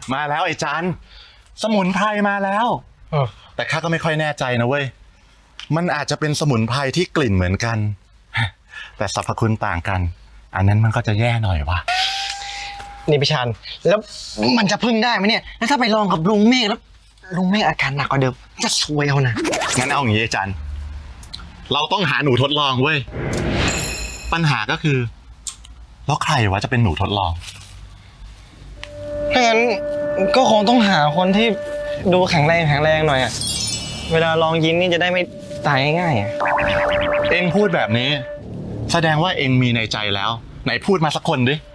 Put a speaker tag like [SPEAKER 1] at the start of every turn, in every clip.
[SPEAKER 1] มาแล้วไอ้จันสมุนไพรมาแล้วแต่ข้าก็ไม่ค่อยแน่ใจนะเว้ยมันอาจจะเป็นสมุนไพรที่กลิ่นเหมือนกันแต่สรรพคุณต่างกันอันนั้นมันก็จะแย่หน่อยวะ
[SPEAKER 2] นี่พี่ชันแล้วมันจะพึ่งได้ไหมเนี่ยแล้วถ้าไปลองกับลุงเมฆแล้วลุงเมฆอาการหนักกว่าเดิมจะซวยเอานะ
[SPEAKER 1] งั้นเอาอย่างนี้ไอ้จันเราต้องหาหนูทดลองเว้ยปัญหาก็คือแล้วใครวะจะเป็นหนูทดลอง
[SPEAKER 2] ถ้างั้นก็คงต้องหาคนที่ดูแข็งแรงหน่อยอ่ะเวลาลองยิงนี่จะได้ไม่ตายง่ายๆอ่ะ
[SPEAKER 1] เอ็งพูดแบบนี้แสดงว่าเอ็งมีในใจแล้วไหนพูดมาสักคนดิ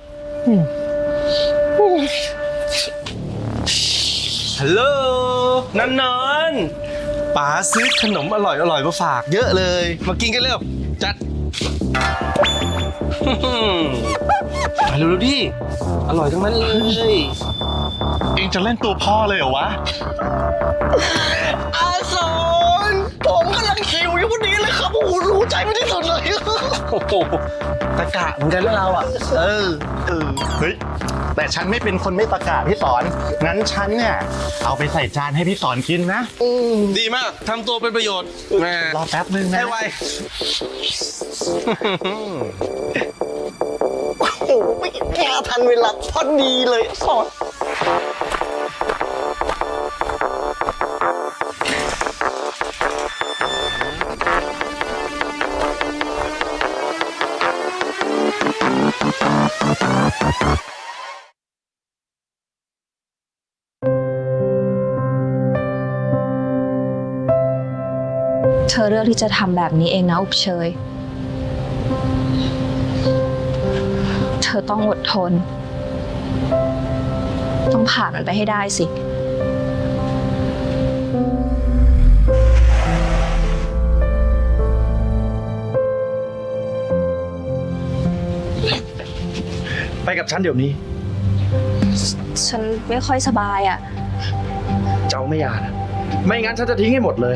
[SPEAKER 3] ฮัลโหลนอนป๋าซื้อขนมอร่อยมาฝากเยอะเลยมากินกันเร็วจัดมาเร็วดิอร่อยทั้งนั้นเลย
[SPEAKER 1] เอ็งจะเล่นตัวพ่อเลยเหรอวะ
[SPEAKER 2] อาสอนผมกำลังหิวอยู่พอดีเลยครับโอ้โหรู้ใจไม่ที่สุดเลย
[SPEAKER 3] โอ้โหตะกะเหมือนกันแล้วเราอ่ะ
[SPEAKER 1] เฮ้ยแต่ฉันไม่เป็นคนไม่ตะกะพี่สอนงั้นฉันเนี่ยเอาไปใส่จานให้พี่สอนกินนะ
[SPEAKER 3] ดีมากทำตัวเป็นประโยชน์แม่
[SPEAKER 1] รอแป๊บนึงนะ
[SPEAKER 3] ให้ไว
[SPEAKER 2] โอ้โหไม่แค่ทันเวลาพอดีเลยสอน
[SPEAKER 4] เธอเลือกที่จะทำแบบนี้เองนะอบเชยเธอต้องอดทนต้องผ่านมันไปให้ได้สิ
[SPEAKER 3] ไปกับฉันเดี๋ยวนี้
[SPEAKER 4] ฉันไม่ค่อยสบายอ่ะ
[SPEAKER 3] เจ้าไม่อยากนะไม่งั้นฉันจะทิ้งให้หมดเลย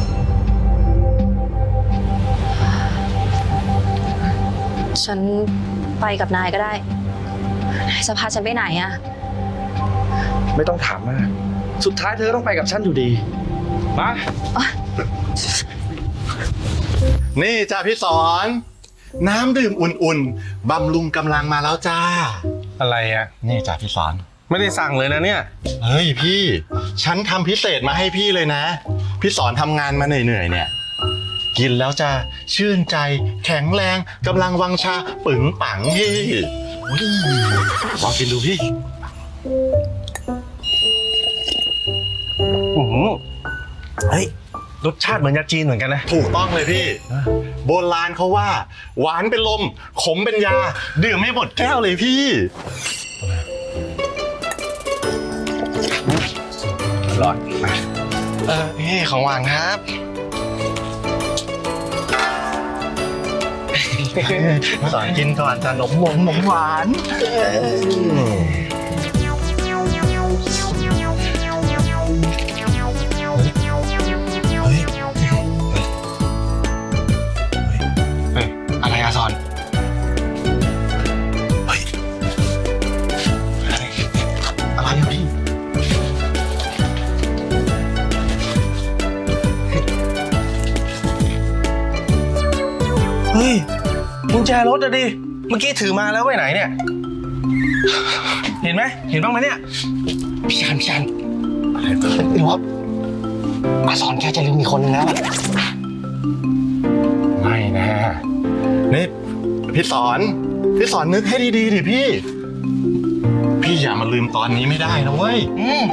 [SPEAKER 4] ฉันไปกับนายก็ได้นายจะพาฉันไปไหนอะ
[SPEAKER 3] ไม่ต้องถามมากสุดท้ายเธอต้องไปกับฉันอยู่ดีมา
[SPEAKER 1] นี่จ้าพี่สอนน้ำดื่มอุ่นๆบำรุงกำลังมาแล้วจ้า
[SPEAKER 3] อะไรอ่ะ
[SPEAKER 1] นี่จ้าพี่สอน
[SPEAKER 3] ไม่ได้สั่งเลยนะเนี่ย
[SPEAKER 1] เฮ้ยพี่ฉันทำพิเศษมาให้พี่เลยนะพี่สอนทำงานมาเหนื่อยๆเนี่ยกินแล้วจะชื่นใจแข็งแรงกำลังวังชาปึ๋งปังพี่ลองกินดูพี่
[SPEAKER 3] เฮ้ยรสชาติเหมือนยาจีนเหมือนกันนะ
[SPEAKER 1] ถูกต้องเลยพี่โบราณเขาว่าหวานเป็นลมขมเป็นยาดื่มไม่หมดแก้วเลยพี่
[SPEAKER 3] อร่อย
[SPEAKER 2] นี่ของหวานครับ
[SPEAKER 1] สอนกินก่อนจะหนมหวาน
[SPEAKER 2] อะไรอะสอน
[SPEAKER 1] เฮ้ยอะไรอะพี่
[SPEAKER 3] เฮ้ยกุญแจรถอะดิเมื่อกี้ถือมาแล้วไว้ไหนเนี่ยเห็นไหมเห็นบ้างไหมเนี่ย
[SPEAKER 2] พี่ชันหรือว่าอาสอนแกจะลืมอีกคนนึงแล้ว
[SPEAKER 1] ไม่นะนี่พี่สอนนึกให้ดีๆดิพี่อย่ามาลืมตอนนี้ไม่ได้นะเว้ย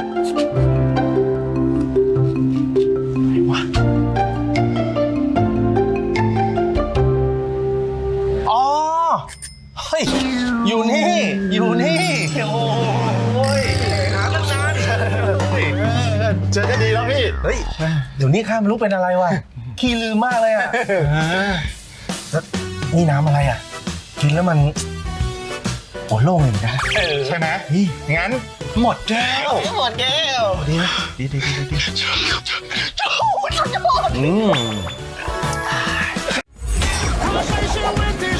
[SPEAKER 3] อ๋อเฮ้ยอยู่นี่โอ้ยหาตั้งนาน
[SPEAKER 1] เจอกันดีแล้วพี่
[SPEAKER 3] เฮ้ยเดี๋ยวนี้ข้าไม่รู้เป็นอะไรวะขี้ลืมมากเลยอ่ะแล้วนี่น้ำอะไรอ่ะกินแล้วมันโอ้โล่งเลยนะ
[SPEAKER 1] ใช่ไหมงั้นหมดแก้ว
[SPEAKER 3] ดีไหมดี
[SPEAKER 1] สุดยอด